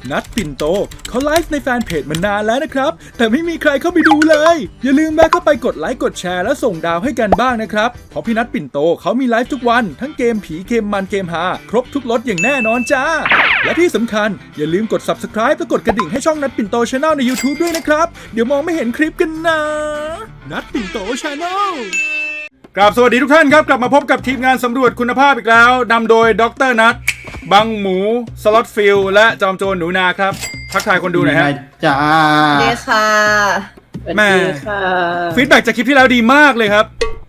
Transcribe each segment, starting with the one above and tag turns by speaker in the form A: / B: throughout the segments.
A: นัดปิ่นโตเขาไลฟ์ในแฟนเพจมานานแล้วนะครับแต่ไม่มีใครเข้าไปดูเลยอย่าลืมแวะเข้าไปกดไลค์กดแชร์และส่งดาวให้กันบ้างนะครับเพราะพี่นัดปิ่นโตเขามีไลฟ์ทุกวันทั้งเกมผีเกมมันเกมฮาครบทุกรสอย่างแน่นอนจ้าและที่สำคัญอย่าลืมกด Subscribe และกดกระดิ่งให้ช่องนัดปิ่นโต Channel ใน YouTube ด้วยนะครับเดี๋ยวมองไม่เห็นคลิปกันนะนัดปิ่นโต Channelกราบสวัสดีทุกท่านครับกลับมาพบกับทีมงานสำรวจคุณภาพอีกแล้วนำโดยดร.นัทบังหมูสล็อตฟิลและจอมโจรหนูนาครับทักทายคนดูหน่อยฮะ
B: จ้า
C: เด้ค่ะ
A: แม่ฟีดแบ็กจากคลิปที่แล้วดีมากเลยครับ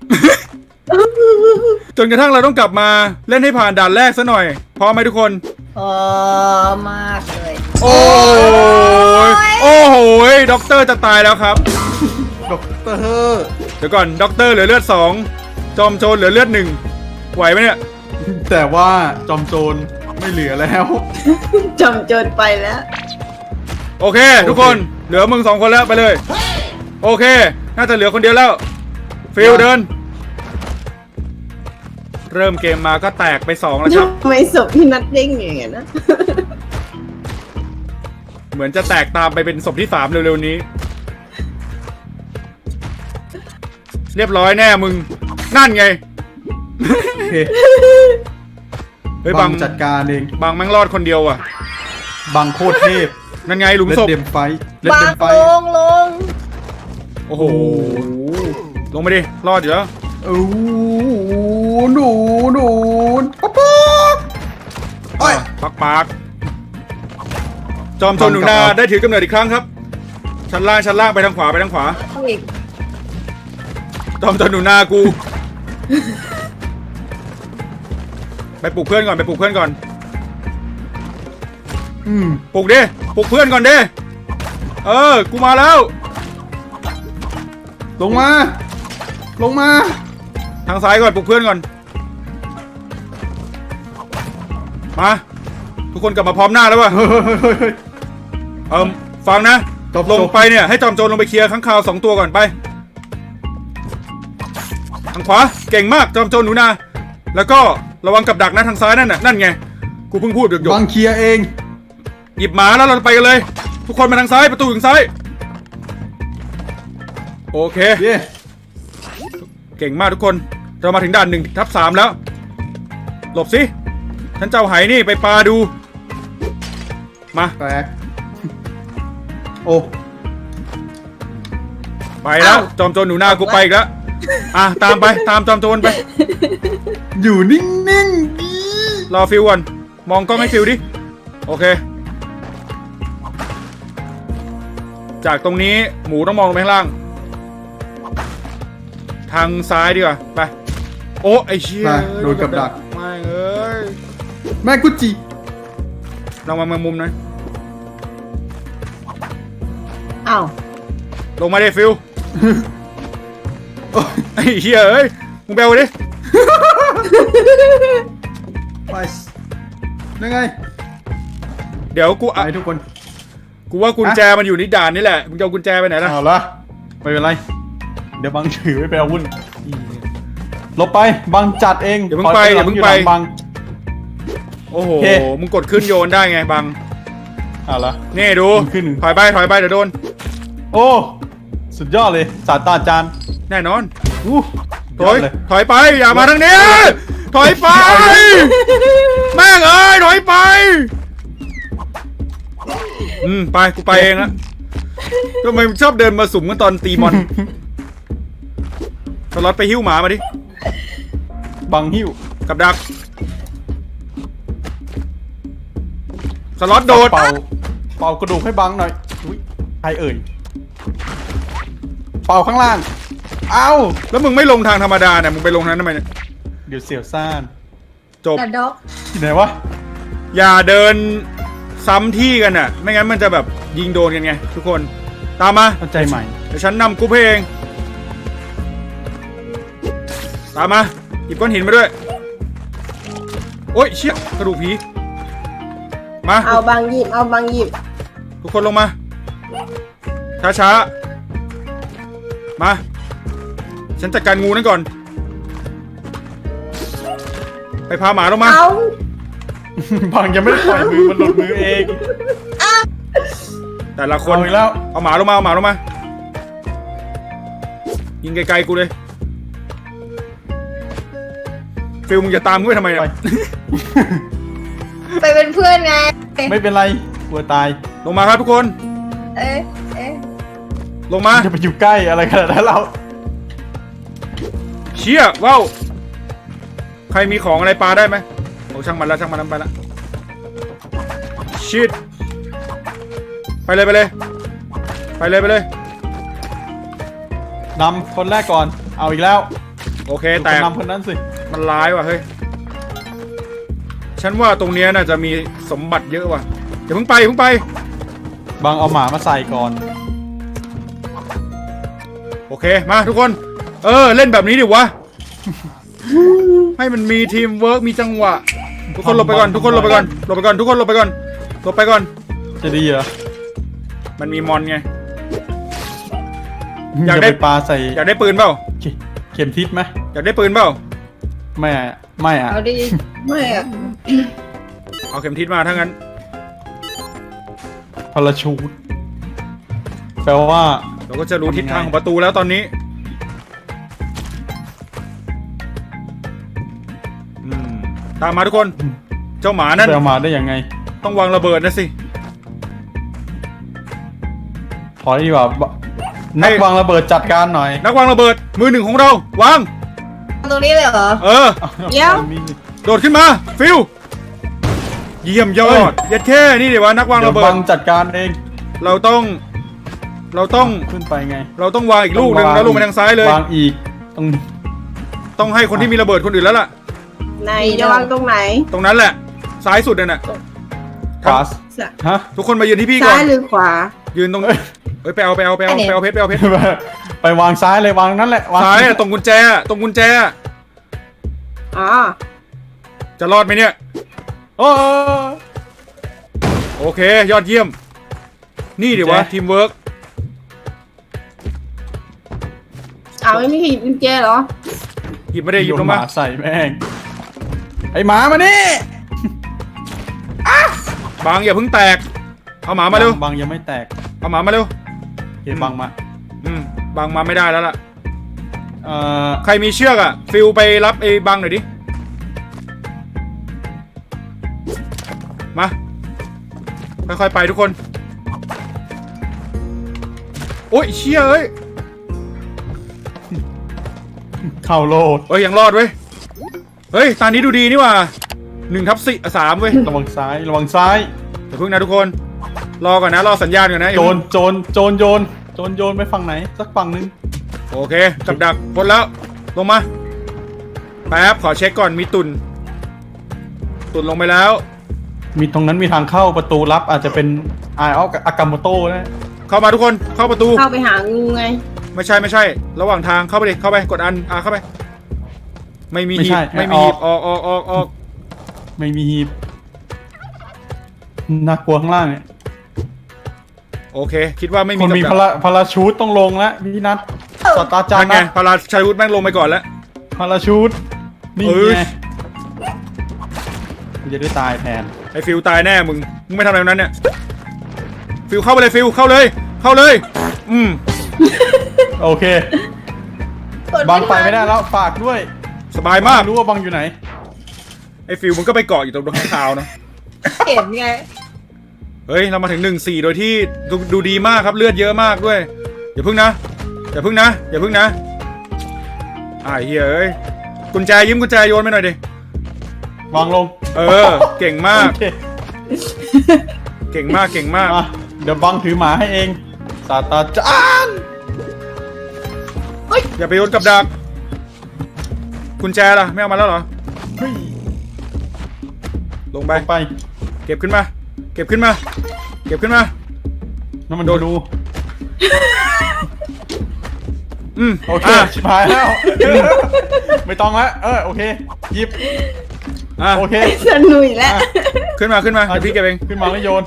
A: จนกระทั่งเราต้องกลับมาเล่นให้ผ่านด่านแรกซะหน่อยพร้อมไหมทุกคน
C: พอมากเลย
A: โอ้ยโอ้โหด็อกเตอร์จะตายแล้วครับ
B: ด็อกเตอร์
A: เดี๋ยวก่อนด็อกเตอร์เหลือเลือด2จอมโจรเหลือเลือด1ไหวไหมเนี่ย
B: แต่ว่าจอมโจรไม่เหลือแล้ว
C: จอมโจรไปแล้ว
A: โอเคทุกคนเหลือมึง2คนแล้วไปเลยโอเคน่าจะเหลือคนเดียวแล้วฟิลเดินเริ่มเกมมาก็แตกไป2แล้วครับ
C: ไม่ศพพี่นัดเด้งอย่างเงี้ยนะ
A: เหมือนจะแตกตามไปเป็นศพที่3เร็วๆนี้เรียบร้อยแน่มึงนั่นไงเฮ้ยบัง
B: จัดการเอง
A: บังแม่งรอดคนเดียวอ่ะ
B: บังโคตรเทพ
A: นั่นไงหลุมศพ
B: เล่นเดมไฟ
C: ลง
A: โอ้โหลงไปดิรอดอยู่แล้ว
B: หนู
A: ปักจอมโจรหนูนาได้ถือกำเนิดอีกครั้งครับชั้นล่างไปทางขวาจอมโจรหนูนากูไปปลุกเพื่อนก่อนปลุกเพื่อนก่อนปลุกเพื่อนก่อนดิกูมาแล้ว
B: ลงมา
A: ทางซ้ายก่อนปลุกเพื่อนก่อนมาทุกคนกลับมาพร้อมหน้าแล้ววะฟังนะลงไปเนี่ยให้จอมโจรลงไปเคลียร์ข้างคาว2ตัวก่อนไปทางขวาเก่งมากจอมโจรหนูนาแล้วก็ระวังกับดักนะทางซ้ายนั่นไงกูเพิ่งพูดหยก
B: บังเคลียร์เอง
A: หยิบหมาแล้วเราไปกันเลยทุกคนมาทางซ้ายประตูทางซ้ายโอเคเก่งมากทุกคนเรามาถึงด่าน1/3แล้วหลบสิฉันเจ้าไหนี่ไปปลาดูมา
B: แตกโอ้
A: ไปแล้วจอมโจรหนูนากูไปอีกแล้วตามไปตามจอมโจรไป
B: อยู่นิ่งๆดี
A: รอฟิวก่อนมองกล้องให้ฟิวดิโอเคจากตรงนี้หมูต้องมองลงไปข้างล่างทางซ้ายดีกว่าไปโอ้ไอเชี่ย
B: โดนกับดัก
A: ไม่เอ้ย
B: แม่กุจิ
A: ลองมามุมหน่อย
C: อ้าว
A: ลงมาดิฟิวไอ้เหี้ยเอ้ยมึงแบลดิ
B: ไปยังไง
A: เดี๋ยวกู
B: ให้ทุกคน
A: กูว่ากุญแจมันอยู่ในด่านนี่แหละมึงจะเอากุญแจไปไหนล่ะ
B: เอาละไม่เป็นไรเดี๋ยวบังถือไว้ไปเอาวุ่นลบไปบังจัดเอง
A: เดี๋ยวมึงไป
B: บัง
A: โอ้โหมึงกดขึ้นโยนได้ไงบัง
B: เอาละ
A: นี่ดูถอยไปเดี๋ยวโดน
B: โอ้สุดยอดเลยศาสตราจารย์
A: แน่นอนถอยไปอย่ามาทางนี้ถอยไปแม่งเอ้ยถอยไปไปกูไปเองละทำไมชอบเดินมาสุ่มกันตอนตีมอนสล็อตไปหิ้วหมามาดิ
B: บังหิ้ว
A: กับดักสล็อตโดด
B: เป่ากระดูกให้บังหน่อยใครเอ่ยเป่าข้างล่างเอา
A: แล้วมึงไม่ลงทางธรรมดาเนี่ยมึงไปลงทางนั้นทำไมเนี่ย
B: เดี๋ยวเสียวซ่าน
A: จบ
B: ที่ไหนวะ
A: อย่าเดินซ้ำที่กันน่ะไม่งั้นมันจะแบบยิงโดนกันไงทุกคนตามมา
B: ใจใหม่
A: เดี๋ยวฉันนำกูเองตามมาหยิบก้อนหินมาด้วยโอ๊ยเชี่ยกระดูกผีมา
C: เอาบางหยิบ
A: ทุกคนลงมาช้ามาฉันจัดการงูนั่นก่อนไปพาหมาลงมา
B: บังยังไม่ได้ปล่อยมือมันหลุดมือเอง
A: แต่ละคน
B: เอาอีกแล้ว
A: เอาหมาลงมาเอาหมาลงมายิงไกลๆกูเลยฟิลมึงจะตามกูไปทำไม
B: ไป
A: เนี่ย
C: ไปเป็นเพื่อนไง
B: ไม่เป็นไรกลัวตาย
A: ลงมาครับทุกคน
C: เอ๊ะ
A: ลงมา
B: จะไปอยู่ใกล้อะไรขนาดนั้นเรา
A: เชี่ยว้าวใครมีของอะไรปลาได้ไหมโอ้ช่างมันแล้วช่างมันไปละชิดไปเลยไปเลยไปเลยไปเลย
B: นำคนแรกก่อนเอาอีกแล้ว
A: โอเคแต่
B: นำคนนั้นสิ
A: มันร้ายว่ะเฮ้ยฉันว่าตรงเนี้ยน่าจะมีสมบัติเยอะว่ะอย่าเพิ่งไปอย่าเพิ่งไป
B: บางเอาหมามาใส่ก่อน
A: โอเคมาทุกคนเล่นแบบนี้ดิวะ ให้มันมีทีมเวิร์กมีจังหวะทุกคนหลบไปก่อนทุกคนหลบไปก่อนหลบไปก่อนทุกคนหลบไปก่อนหลบไปก่อน
B: จะดีเหรอ
A: มันมีมอนไง อยากได้
B: จะปปลาใส่
A: อยากได้ปืนเปล่า
B: เข็มทิศไหม
A: อยากได้ปืนเปล่า
B: ไม่อะไม่อะ
C: เอาดิไม่อะ
A: เอาเข็มทิศมาถ้างั้น
B: พาราชูตแปลว่า
A: เราก็จะรู้ทิศทางของประตูแล้วตอนนี้ตามมาทุกคนเจ้าหมานั่น
B: ไปเอามาได้ยังไง
A: ต้องวางระเบิดนะสิ
B: ขอดีกว่านักวางระเบิดจัดการหน่อย
A: นักวางระเบิดมือหนึ่งของเราวาง
C: ตรงนี้เลยเหรอ เดี๋ยว
A: โดดขึ้นมาฟิวเยี่ยมยอดยัดแค่นี่เดี๋ยวว่านักวาง
B: เดี๋ย
A: ระ
B: ว
A: เบิ
B: บั
A: ด
B: งจัดการเอง
A: เราต้อง
B: ขึ้นไปไง
A: เราต้องวางอีกลูกหนึ่งแล้วลงไปทางซ้ายเลยว
B: างอีกต้อง
A: ต้องให้คนที่มีระเบิดคนอื่นแล้วล่ะ
C: ไหนจะวางตรงไหน
A: ตรงนั้นแหละซ้ายสุดนั่นน่ะ
B: ขวาฮะ
A: ทุกคนมายืนที่พี่ก่อ
C: ซ้าน ยหรือขวา
A: ยืนตรงเฮ้ยไปเอาเพชรไป
B: ไปวางซ้ายเลยวางนั่นแหละวาง
A: ซ้ายอะตรงกุญแจอะตรงกุญแจอะ
C: อ๋อ
A: จะรอดไหมเนี่ย
B: โอ้
A: โอเคยอดเยี่ยม นี่เดี๋ยววะทีมเวิร์ก
C: เอาไม่มีใครหยิบกุญแจเหรอ
A: หยิบไม่ได้หยิบลง
B: ห
A: มา
B: มาใส่แม่งไอหมามานี่
A: บางอย่าเพิ่งแตกเอาหมามาเร็ว
B: บางยังไม่แตก
A: เอาหมามาเร็ว
B: เก็บบางมา
A: บางมาไม่ได้แล้วล่ะ
B: เอ่อ
A: ใครมีเชือกอะฟิลไปรับไอ้บางหน่อยดิมาค่อยๆไปทุกคนโอ้ยเชี่ยเอ้ย
B: เข้าโลด
A: เอ้ยยังรอดเว้ยเฮ้ยตอนนี้ดูดีนี่หว่า1/3เว้ย
B: ระวังซ้ายระวังซ้าย
A: เดี๋ยวเพิ่งนะทุกคนรอก่อนนะรอสัญญาณก่อนนะ
B: โจรโยนไปฝั่งไหนสักฝั่งนึง
A: โอเคกับดักพ้นแล้วลงมาแป๊บขอเช็คก่อนมีตุนลงไปแล้ว
B: มีตรงนั้นมีทางเข้าประตูลับอาจจะเป็นไอออฟอากาโมโต้นะ
A: เข้ามาทุกคนเข้าประตู
C: เข้าไปหางูไง
A: ไม่ใช่ระหว่างทางเข้าไปดิเข้าไปกดอันเข้าไปไม่มีหีบไม่มีหีบออก
B: ไม่มีหีบน่ากลัวข้างล่างเนี่ย
A: โอเค คิดว่าไม่มี
B: คนมี
A: กับดัก
B: พาราชูตต้องลงแล้วพี่นัทศาสตราจาร
A: นั่น
B: ย์
A: ไง
B: นะ
A: พาราชัยวุฒิแม่งลงไปก่อนแล้ว
B: พาราชูตนี่
A: เอ้ย
B: ไงกูจะได้ตายแทน
A: ไอ้ฟิลตายแน่มึงไม่ทำอะไรนั้นเนี่ยฟิลเข้าไปเลยฟิลเข้าเลย
B: โอเคบังไปไม่ได้แล้วฝากด้วย
A: สบายมาก
B: รู้ว่าบังอยู่ไหน
A: ไอ้ฟิลมึงก็ไปเกาะอยู่ตรงข้างคาวนะ
C: เห็นไง
A: เฮ้ยเรามาถึง1-4โดยที่ดูดีมากครับเลือดเยอะมากด้วยอย่าพึ่งนะไอ้เฮียเอ้ยกุญแจยืมกุญแจโยนไปหน่อยดิ
B: วางลง
A: เก่งมาก
B: โอเค
A: เก่งมาก
B: มาเดี๋ยวบังถือหมาให้เองศาสตราจารย์
A: อย่าไปโยนกับดักกุญแจล่ะไม่เอามาแล้วเหรอ
B: เฮ้ย
A: ลงไป
B: ไป
A: เก็บขึ้นมา
B: น้ำมันดู โอเคชิบหายแล้ว ไม่ต้องละโอเคหยิบโอเค
C: สนุยแล้ว
A: ขึ้นมาเดี๋ยวพี่เก็บเอง
B: ขึ้นมาแล้วโยน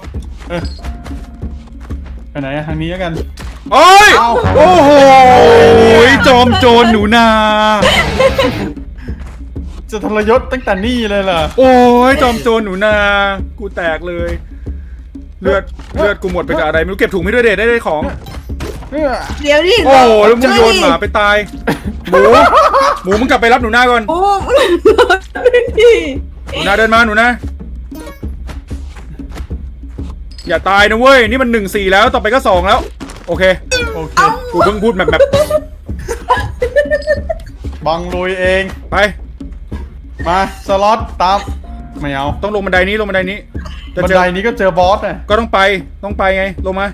B: ไปไหนทางนี้แล้วกัน
A: โอ้ย
B: เอ้า
A: โอ้โหจอมโจรหนูนา
B: จะทรยศตั้งแต่นี่เลยเหรอ
A: โอ้ยจอมโจรหนูนากูแตกเลยเลือดกูหมดไปกับอะไรไม่รู้เก็บถุงไม่ด้วยเด็ดได้ของ
C: เดี๋ยวดิ
A: โอ้แล้วมึงโยนหมาไปตายหมูมึงกลับไปรับหนูนาก่อน
C: โอ้ดิ
A: หนูนาเดินมาหนูนาอย่าตายนะเว้ยนี่มัน1-4แล้วต่อไปก็2แล้วโอเค
B: โอเค
A: กูเพิ่งพูดแบบ
B: บังลุยเอง
A: ไป
B: มาสล็อตตามไม่เอา
A: ต้องลงบันไดนี้จะ
B: บัน
A: เจอ
B: ไดนี้ก็เจอบอสน่ะ
A: ก็ต้องไปไงลงมา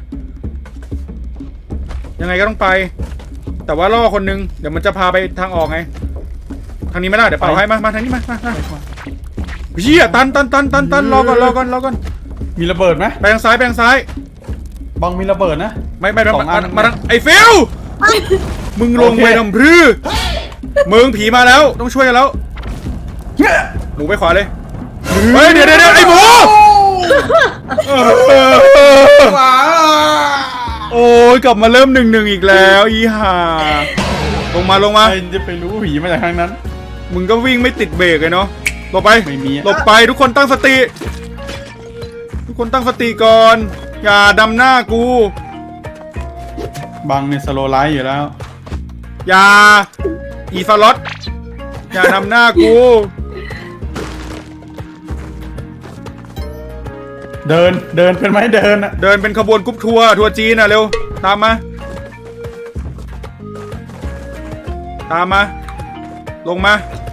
A: ยังไงก็ต้องไป แต่ว่าล่อคนนึงเดี๋ยวมันจะพาไปทางออกไงทางนี้ไม่ได้เดี๋ยวเป่าให้มาทางนี้มาเฮียตันรอก่อน
B: มีระเบิดไหม
A: ไปทางซ้าย
B: บังมีระเบิดนะ
A: ไม่
B: สองอัน
A: มาทางไอ้ฟิลมึงลงไปทำพรือมึงผีมาแล้วต้องช่วยกันแล้วหมูไปขวาเลยเฮ้ยเดี๋ยวไอ้หมูโอ้ยกลับมาเริ่ม1-1อีกแล้วอีห่าลงมา
B: ใครจะไปรู้ผีมาจากทางนั้น
A: มึงก็วิ่งไม่ติดเบรกเลยเนาะหลบไป
B: ไม่มี
A: หลบไปทุกคนตั้งสติก่อนอย่าดำหน้ากู
B: บังเนี่ยสโลไลท์อยู่แล้ว
A: อย่าอีฟาลอตอย่านำหน้ากู
B: เดินเป็นไหมเดินอะ
A: เดินเป็นขบวนกรุ๊ปทัวร์จีนอ่ะเร็วตามมาลงมา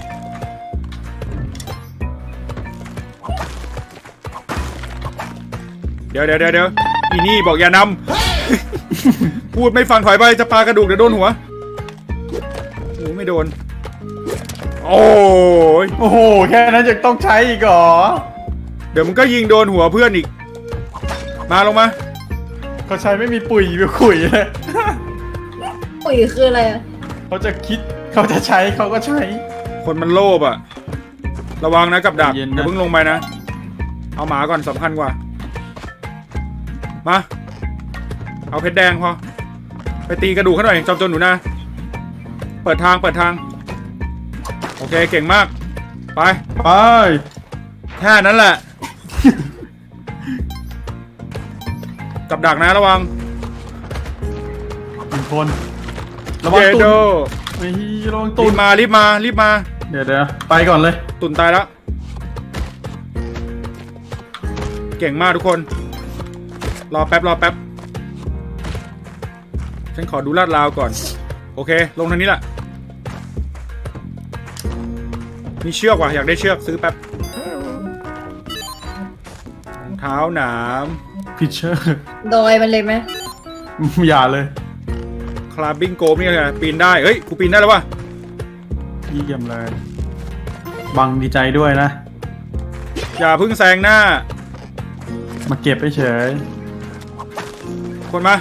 A: เดี๋ยวอีนี่บอกอย่านำ พูดไม่ฟังถอยไปจะปากระดูกเดี๋ยวโดนหัวโอ้ไม่โดนโอ้ย
B: โอ้โหแค่นั้นยังต้องใช้อีกเหรอ
A: เดี๋ยวมึงก็ยิงโดนหัวเพื่อนอีกมาลงมา
B: เขาใช้ไม่มีปุ๋ยไปขุยเลย
C: ปุ๋ยคืออะไรอะ
B: เขาจะคิดเขาจะใช้เขาก็ใช้
A: คนมันโลภอะระวังนะกับดัก
B: เย็นนะ
A: อย่าเพิ่งลงไปนะเอาหมาก่อนสำคัญกว่ามาเอาเพชรแดงพอไปตีกระดูกเขาหน่อยจอมโจรหนูนะเปิดทางโอเคเก่งมากไป
B: ไป
A: แค่นั้นแหละ กับดักนะระวัง
B: หนึ่งคนระวัง
A: เย
B: ตุ
A: โด
B: นไม่ระวังตุ
A: รี
B: น
A: บมา
B: เดี๋ยวไปก่อนเลย
A: ตุ่นตายแล้วเก่งมากทุกคนรอแป๊บฉันขอดูลาดราวก่อนโอเคลงทางนี้แหละมีเชือกว่ะอยากได้เชือกซื้อแป๊บรองเท้าหนาม
B: พิชเชอร์
C: โดยมันเลยไหม
B: อย่าเลย
A: คลาบบิ้งโกมนี่ไงปีนได้เฮ้ยกูปีนได้แล้ววะ
B: เยี่ยมเลยบังดีใจด้วยนะ
A: อย่าเพึ่งแซงหน้า
B: มาเก็บไปเฉย
A: คนมา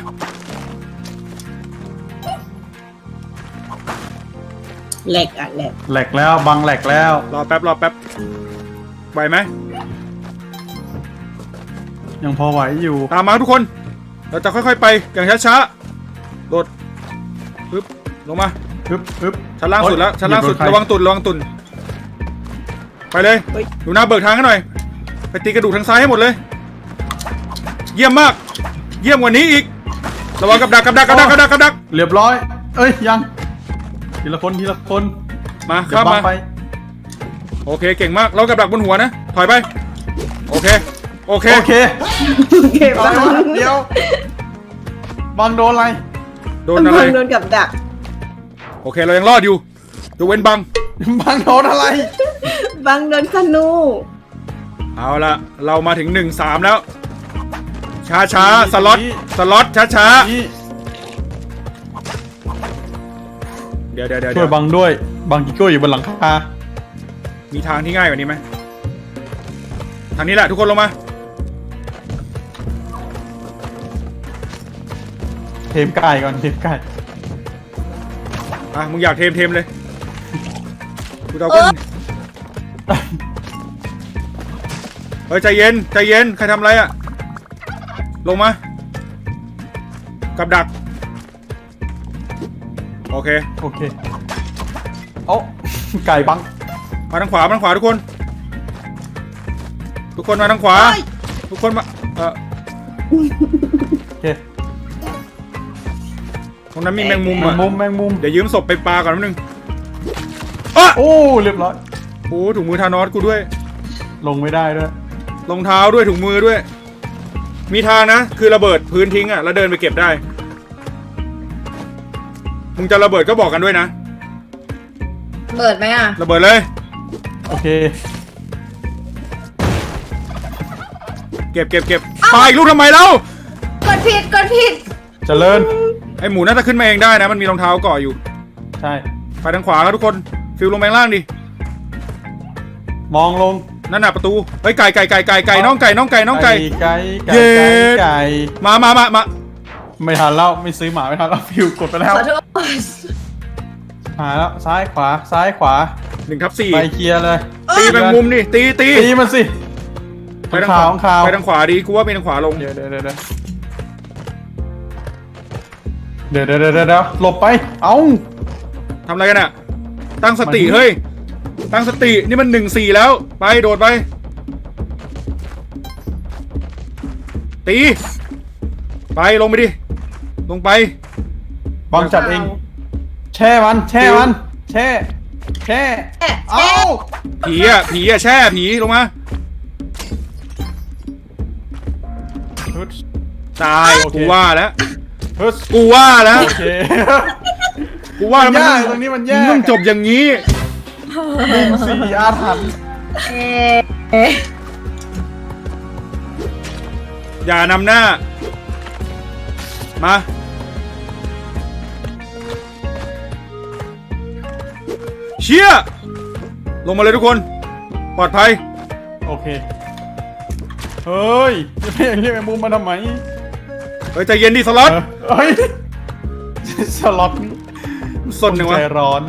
C: แหลกอะแหลก
B: แหลกแล้วบังแหลกแล้ว
A: รอแป๊บไหวไหม
B: ยังพอไหวอยู่
A: ตามมาทุกคนเราจะค่อยๆไปอย่างช้าๆโดดปึ๊บลงมา
B: ฮึบ
A: ชั้นล่างสุดแล้ว
B: โอ๊ย
A: ชั้นล่างสุด
B: เหยียบ
A: ระวังตุ่นไปเลยดูหน้าเบิกทางให้หน่อยไปตีกระดูกทางซ้ายให้หมดเลย เยี่ยมมาก เยี่ยมกว่านี้อีกระวังกับดัก
B: เรียบร้อย เอ้ยยังทีละคน
A: มา
B: เดี๋ย
A: ข้าว ม
B: บัง
A: มา
B: ไป
A: โอเคเก่งมากเรากับดักบนหัวนะถอยไปโอเค
B: โอเค
C: โอเคบ้าง
B: เดี๋ยวบังโดนอะไร
A: โดนอะไร
C: โดนกับดัก
A: โอเคเรายังรอดอยู่ยกเว้นบัง
B: บังโดนอะไร
C: บางโดนธนู
A: เอาละเรามาถึง1-3แล้วช้าสล็อตช้า
B: นี่
A: เดี๋ยว
B: ช่วยบังด้วยบังกิโก้อยู่บนหลังคา
A: มีทางที่ง่ายกว่านี้ไหมทางนี้แหละทุกคนลงมา
B: เทมไก่ก่อนเทมไก่
A: อ่ะมึงอยากเทมเลยกูเอาขึ้นเฮ้ยใจเย็นใครทำอะไรอ่ะลงมากับดักโอเค
B: เอ้าไก่บัง
A: มาทางขวาทุกคนมาทางขวาทุกคนมา
B: โอเค
A: ตรงนั้นมีแมงมุม
B: แม
A: อ่ะ
B: งมุมแมงมุม
A: เดี๋ยวยืมศพไปปลาก่อนนิดนึงอ่ะ
B: โอ้เรียบร้อย
A: โอ้ถุงมือทานอสกูด้วย
B: ลงไม่ได้ด้วย
A: รองเท้าด้วยถุงมือด้วย มีทางนะ คือระเบิดพื้นทิ้งอ่ะแล้วเดินไปเก็บได้ มึงจะระเบิดก็บอกกันด้วยนะ
C: เปิดไหมอ่ะ
A: ระเบิดเลย
B: โอเค
A: เก็บปลาอีกลูกทำไมเล่าก
C: ดผิด
B: เจริญ
A: ไอหมูน่าจะขึ้นมาเองได้นะ มันมีรองเท้าเกาะอยู่
B: ใช่
A: ไปทางขวาครับทุกคน ฟิลลงไปข้างล่างดิ
B: มองลง
A: นั่นน่ะประตู เฮ้ยไก่น้องไก่
B: เย้ไก่
A: มา
B: ไม่ทันแล้วไม่ซื้อหมาไม่ทันแล้วฟิวกดไปแล้ว
C: ขอโทษ
B: หาแล้วซ้ายขวาซ้ายขวา
A: 1/4
B: ไปเคลียร์เลย
A: ตีแมงมุมดิตี
B: ตีมันสิ
A: ไปทางขวา
B: ของขาว
A: ไปทางขวาดีกูว่าไปทางขวาลง
B: เดี๋ยวหลบไปเอ้า
A: ทำอะไรกันอะตั้งสติ
B: มัน
A: เฮ้ย ตั้งสติ นี่มัน1-4แล้ว ไปโดดไป ตี ไปลงไปดิ ลงไป
B: บอมจับเองแช่มันแช่เอ้า
A: ผีอะแช่ผีลงมา
B: ฮึด
A: ตาย
B: โอเค
A: กูว่าแล้ว
B: ฮึด
A: กูว่าแล้ว
B: โอเค
A: กูว่าแล้ว
B: มันยากตรงนี้มันยาก
A: ต้องจบอย่างนี้
B: สี่อาถรรพ์
A: อย่านำหน้า มา เชี่ยลงมาเลยทุกคน ปลอดภัย
B: โอเคเฮ้ยจะไปอย่างนี้แมงมุมมาทำไม
A: เฮ้ยใจเย็นดิสล็อต
B: เฮ้ยสล็อตนี่
A: สนหนึ่งวะ
B: ใจร้อน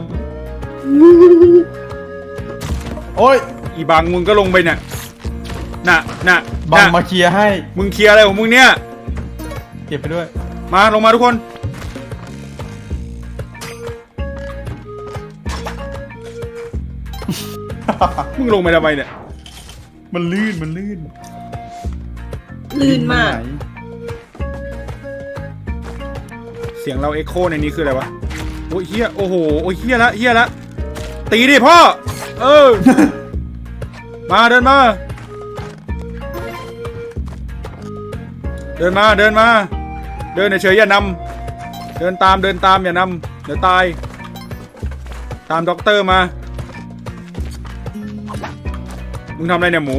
B: โอ้ย
A: อีบังมึงก็ลงไปเนี่ยน่ะ
B: บังมาเคลียร์ให้
A: มึงเคลียร์อะไรของมึงเนี่ย
B: เก็บไปด้วย
A: มาลงมาทุกคน มึงลงไปทำไมเนี่ย
B: มันลื่น
C: ลื่นมาก
B: ไหน
A: เสียงเราเอ็กโคในนี้คืออะไรวะ โอ้ยเฮียโอ้โห โอ้ยเฮียละตีดิพ่อ เออ มาเดินมา เดินเฉยๆอย่านำเดินตามอย่านำเดี๋ยวตาย ตามด็อกเตอร์มา มึงทำอะไรเนี่ยหมู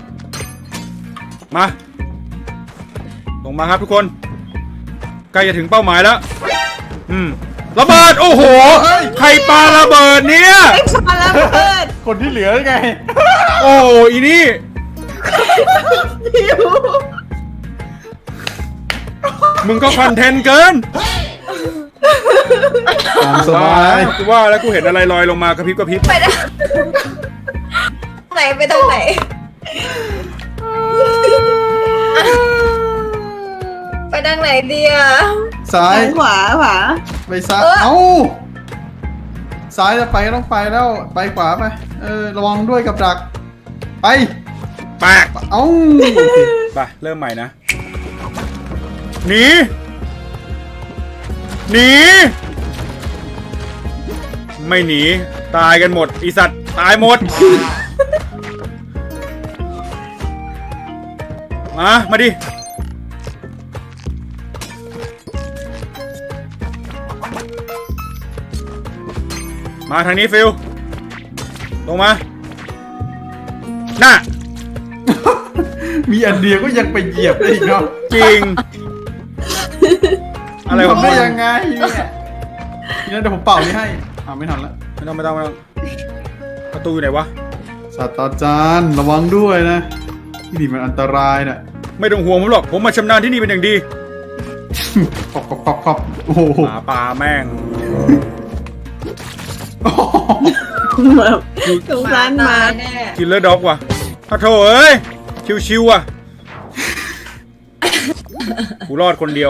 A: มา ลงมาครับทุกคน ใกล้จะถึงเป้าหมายแล้ว ระเบิด โอ้โห ใครปาระเบิดเนี่ย
C: มาแล้วเปิด
B: คนที่เหลือไง
A: โอ้โหอีนี่
C: หิว
A: มึงก็คอนเทนต์เกิน
B: ตามสบาย
A: กูว่าแล้วกูเห็นอะไรลอยลงมากระพริบ
C: ไปทางไหนไปทางไหน ไปทางไหนดีอ่ะ
B: ซ้าย
C: ขวา
B: ไปซ้าย เอ้า ซ้ายจะไปก็ต้องไปแล้ว ไปขวาไป ระวังด้วยกับดัก ไป
A: แปก
B: เอ้า
A: ไปเริ่มใหม่นะ หนี ไม่หนี ตายกันหมดอีสัตว์ตายหมด มาดิ มาทางนี้ฟิลลงมา น่ะ
B: มีอันเดียวก็ยังไปเหยียบได้อีกเนาะ
A: จริง อะไรของ
B: ทำ
A: มึ
B: ได้
A: ง
B: ยังไงเนี่ยทีนั้นเดี๋ยวผมเป่านี่ให้ไม่ทันละ
A: ไม่ต้องประตูอยู่ไหนวะ
B: ศาสตราจารย์ระวังด้วยนะ ที่นี่มันอันตรายน่ะ
A: ไม่ต้องห่วงผมหรอก ผมมาชำนาญที่นี่เป็นอย่างดี
B: ปับโอ้โห
A: หมาป่าแม่ง
C: แบบสงสารหมา
A: กินเลอร์ด็อกว่ะถ้าโถเอ้ย ชิวๆว่ะ กูรอดคนเดียว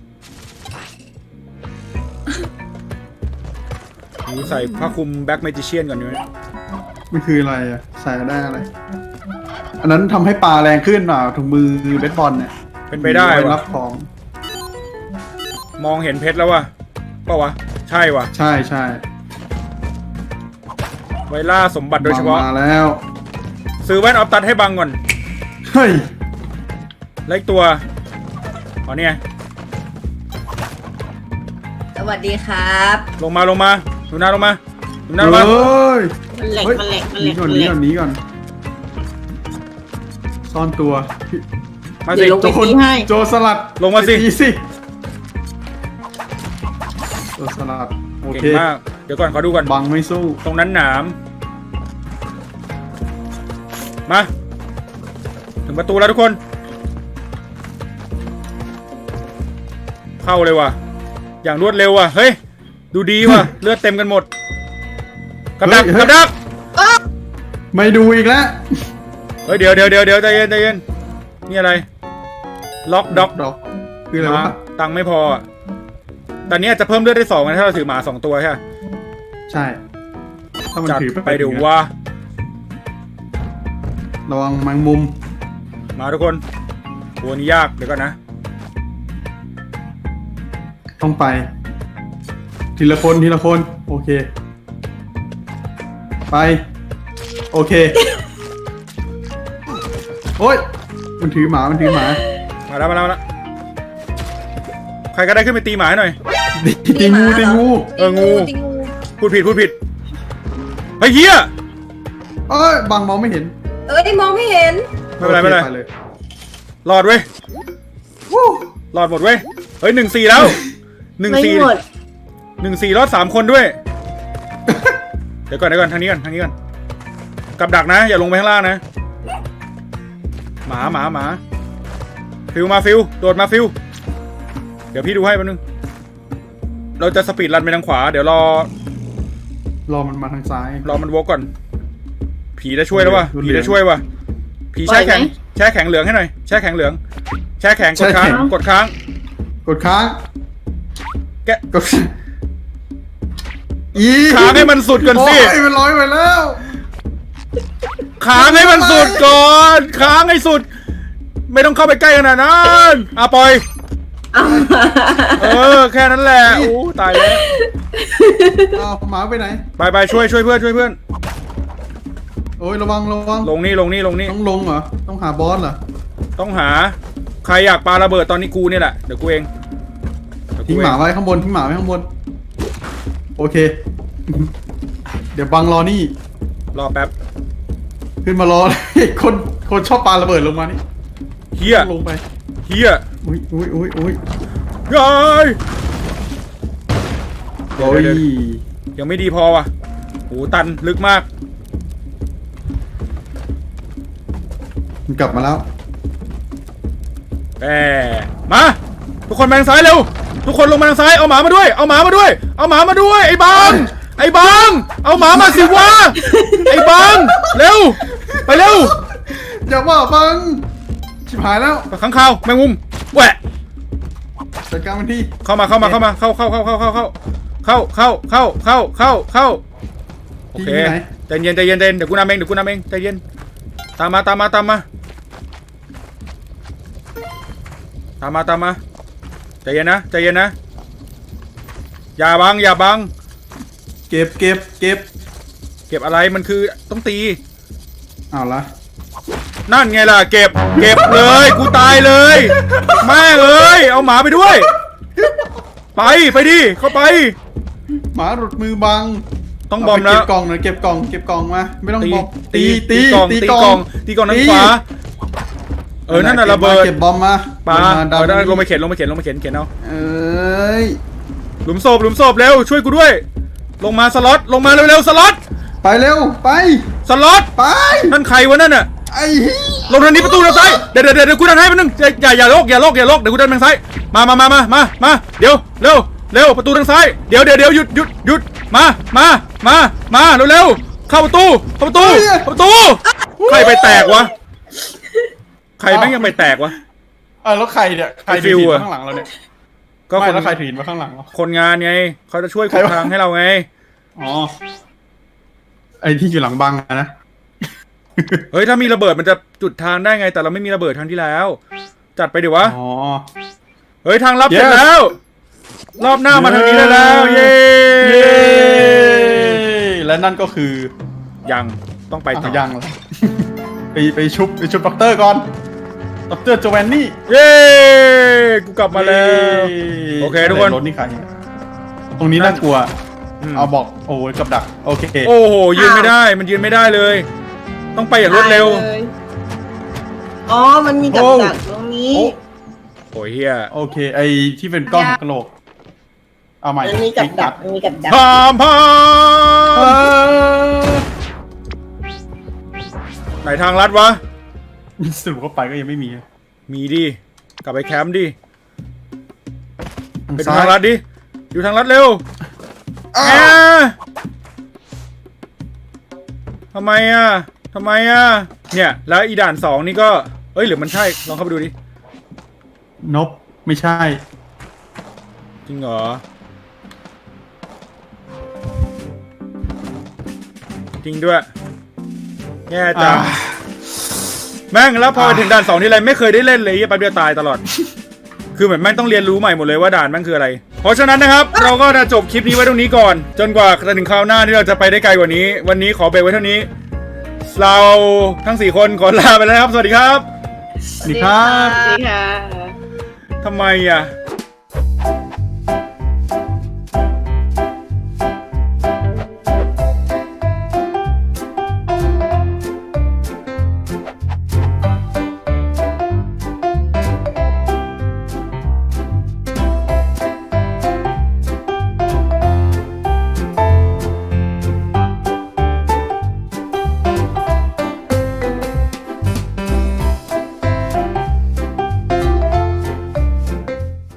A: กูใส่ผ้าคลุมแบ็คเมจิเชียนก่อนดีไหม
B: มันคืออะไรอ่ะ ใส่ได้อะไร อันนั้นทำให้ปลาแรงขึ้นเปล่าถุงมือเบสบอลเนี่ย
A: เป็นไปได้
B: รั
A: วะ
B: บของ
A: มองเห็นเพชรแล้ววะเปล่าวะใช่วะ
B: ใช่ใช่
A: ไวล่าสมบัติโดยเฉพาะ
B: มาแล้ว
A: ซื้อแว่นออฟตัดให้บังก่อน
B: เฮ้ย
A: แล้วอีกตัวอ๋อเนี่ย
C: สวัสดีครับ
A: ลงมาลงมาดูหน้าลงมาดูหน้าลงมา
B: เฮ้ย
C: มันแหลก
B: เฮ้ย
C: มันแหลกมัน
B: ห
C: แหล
B: นี
C: ก
B: ก่อน
C: มัน
B: ห
C: แห
B: นี
C: ลก
B: ก่อนหนีก่อนซ่อนตัว
A: มาสิ
C: เดี๋ยวลง
B: โจ
C: ไป
B: ร
C: ตีให้
B: โจรสลัด
A: ลงมาสิ
B: ไปตีสิโจรสลัดโอ
A: เก่
B: เค
A: งมากเดี๋ยวก่อนขอดูก่อน
B: บังไม่สู้
A: ตรงนั้นหนามมาถึงประตูแล้วทุกคน เข้าเลยว่ะอย่างรวดเร็วว่ะเฮ้ยดูดีว่ะ เลือดเต็มกันหมดกับดักกับดัก
B: ไม่ดูอีกแล้ว
A: เฮ้ยเดี๋ยวใจเย็นใจเย็นนี่อะไรล็อกด็อก
B: ดอกคืออะไรวะ
A: ตังค์ไม่พออะตอนนี้อาจจะเพิ่มเลือดได้2นะถ้าเราถือหมา2ตัวใช่ไหม
B: ใช่ถ้ามัน
A: จัด
B: ถือ
A: ไปเดี๋ยว
B: นะ
A: ว่า
B: ระวังแมงมุม
A: มาทุกคนตัวนี้ยากเดี๋ยวก่อนนะ
B: ต้องไป ทีละคนทีละคนโอเค ไป โอเค โอ้ยมันถือหมามันถือหมา
A: มาแล้วใครก็ได้ขึ้นไปตีหมาให้หน่อย
B: ตีงูตีงู
A: เอองู
C: ตีงู
A: พูดผิดเฮ้ยเฮีย
B: เอ้ยบังมองไม่เห็น
C: เอ้ยมองไม่เห็น
A: ไม่เป็นไร
B: โอ
A: ไม่
B: ค
A: เป็นไร
B: เลย
A: รอดเว้ย
B: วู้
A: รอดหมดเว้ยเฮ้ย1-4แล้ว
C: ไม่
A: 1-4
C: หมด
A: 1-4รอด3คนด้วย เดี๋ยวก่อนทางนี้ก่อนกับดักนะอย่าลงไปข้างล่างนะหมาฟิวมาฟิวโดดมาฟิวเดี๋ยวพี่ดูให้แป๊บนึงเราจะสปีดรันไปทางขวาเดี๋ยวรอ
B: มันมาทางซ้าย
A: มันวกก่อนผีจะช่วยแล้ววะ
B: รุน
A: ผี
B: แรง
A: จะช่วยวะผีแช่แข็งเหลืองให้หน่อยแช่แข็งเหลืองแช่แข็งกดค้าง
B: แช่แข็ง
A: กดค้าง
B: กดค้าง
A: แกะ
B: กดอี
A: ค้างให้มันสุดก่อนสิ
B: โอ้ยมันลอยไปแล้ว
A: ค้างให้มันสุดก่อนค้างให้สุด ไม่ต้องเข้าไปใกล้ขนาดนั้นปล่อย
C: เอา
A: แค่นั้นแหละโอ้ตายแล้ว
B: อ้าวหมาไปไหน
A: ไปช่วยเพื่อน
B: โอ้ยระวัง
A: ลงนี่
B: ต้องลงเหรอ ต้องหาบอสเหรอ
A: ต้องหาใครอยากปาระเบิดตอนนี้กูนี่แหละเดี๋ยวกูเอง
B: ทิ้งหมาไว้ข้างบนโอเค เดี๋ยวบังรอนี่
A: รอแป๊บ
B: ขึ้นมารอ คนชอบปาระเบิดลงมานี่
A: เฮีย
B: ลงไป
A: อุ้ย
B: ย
A: ยาย
B: โอ้ย
A: ยังไม่ดีพอว่ะโหตันลึกมาก
B: มันกลับมาแล้ว
A: มาทุกคนมาทางซ้ายเร็วทุกคนลงมาทางซ้ายเอาหมามาด้วยไอ้บางเอาหมามาสิวะไอ้บางเร็วไปเร็ว
B: อย่าว่าบังชิบหายแล้ว
A: ข้างข่าวแมงมุมแหวะ
B: จัดการมันที
A: เข้ามาเข้าโอเค
B: ที่ไหน
A: ใจเย็นเดี๋ยวกูนำเองใจเย็นตามมาใจเย็นนะอย่าบัง
B: เก็บ
A: อะไรมันคือต้องตี
B: เอาละ
A: นั่นไงล่ะเก็บเลยกูตายเลยแม่งเอ้ยเอาหมาไปด้วยไปดิเข้าไป
B: หมาหลุดมือบัง
A: ต้องบอมแล้ว
B: เก็บกล่องหน่อยเก็บกล่องมาไม่ต้องบอม
A: ตีกล่องทางขวานั่นน่ะระเบิด
B: เก็บบอมมา
A: ปา
B: ดัน
A: ลงไปเข็นเอา
B: เอ้ย
A: หลุมศพเร็วช่วยกูด้วยลงมาสล็อตลงมาเร็วๆสล็อต
B: ไปเร็วไป
A: สล็อต
B: ไป
A: นั่นใครวะนั่นน่ะ
B: ไอ้
A: ลงทางนี้ประตูทางซ้ายเดี๋ยวกูดันให้มันนึงอย่าโลกเดี๋ยวกูดันทางซ้ายมาเดี๋ยวเร็วประตูทางซ้ายเดี๋ยวหยุดมาเร็วเข้าประตูใครไปแตกวะใครแม่งยังไปแตกวะ
B: แล้วใครเนี่ยใคร
A: ไอ้ฟิ
B: ถื
A: ว
B: อ
A: อะ
B: มาข้างหลังเราเนี่ย
A: ก็
B: ไม่
A: คน
B: แล้วใครถือมาข้างหลังเรา
A: คนงานไงเขาจะช่วยขุดทางให้เราไง
B: อ๋อไอ้ที่อยู่หลังบังอะนะ
A: เฮ้ยถ้ามีระเบิดมันจะจุดทางได้ไงแต่เราไม่มีระเบิดทางที่แล้วจจัดไปดิวะ
B: อ๋อ
A: เฮ้ยทางลับ
B: Yes
A: เสร็จแล้ว รอบหน้ามาทางนี้ได้แล้ว เย้
B: เย้และนั่นก็คือ
A: ยังต้องไปต่อ
B: ยังเลย ไปชุบด็อกเตอร์ก่อนด็อกเตอร์โจแวนนี่
A: เย้กูกลับมาแล้ว โอเคทุกคน
B: รถนี่ใครตรงนี้น่ากลัว
A: อืม
B: เอาบอกโอ้ยกับดักโอเค
A: โอ้โหยืนไม่ได้มันยืนไม่ได้เลย ต้องไปอย่างรวดเร็ว
C: อ๋อ มันมีกับดักตรงนี้
A: โอ้ยเฮีย
B: โอเคไอที่เป็นก้อนกระโหลกเอาใหม่
C: มันมีกับดักมันมีกับดัก
A: พามพา
B: เอ
A: ม
B: อ
A: ไหนทางลัดวะ
B: สรุปเข้าไปก็ยังไม่มี
A: มีดิกลับไปแคมป์ดิไปดูทางลัดดิอยู่ทางลัดเร็วแหมทำไมอ่ะเนี่ยแล้วอีด่าน2นี่ก็เอ้ยหรือมันใช่ลองเข้าไปดูดิ
B: นบไม่ใช่
A: จริงเหรอจริงด้วยแย่จังแม่งแล้วพอไปถึงด่าน2ที่ไรไม่เคยได้เล่นเลยแป๊บเดียวตายตลอด คือเหมือนแม่งต้องเรียนรู้ใหม่หมดเลยว่าด่านแม่งคืออะไร เพราะฉะนั้นนะครับ เราก็จะจบคลิปนี้ไว้ตรงนี้ก่อน จนกว่าจะถึงคราวหน้าที่เราจะไปได้ไกลกว่านี้ วันนี้ขอเบรกไว้เท่านี้ เราทั้ง4คนขอลาไปแล้วนะครับ สวัสดีครับ
B: สวัสดีครับ
C: สวัสดีค่ะ
A: ทำไมอ่ะ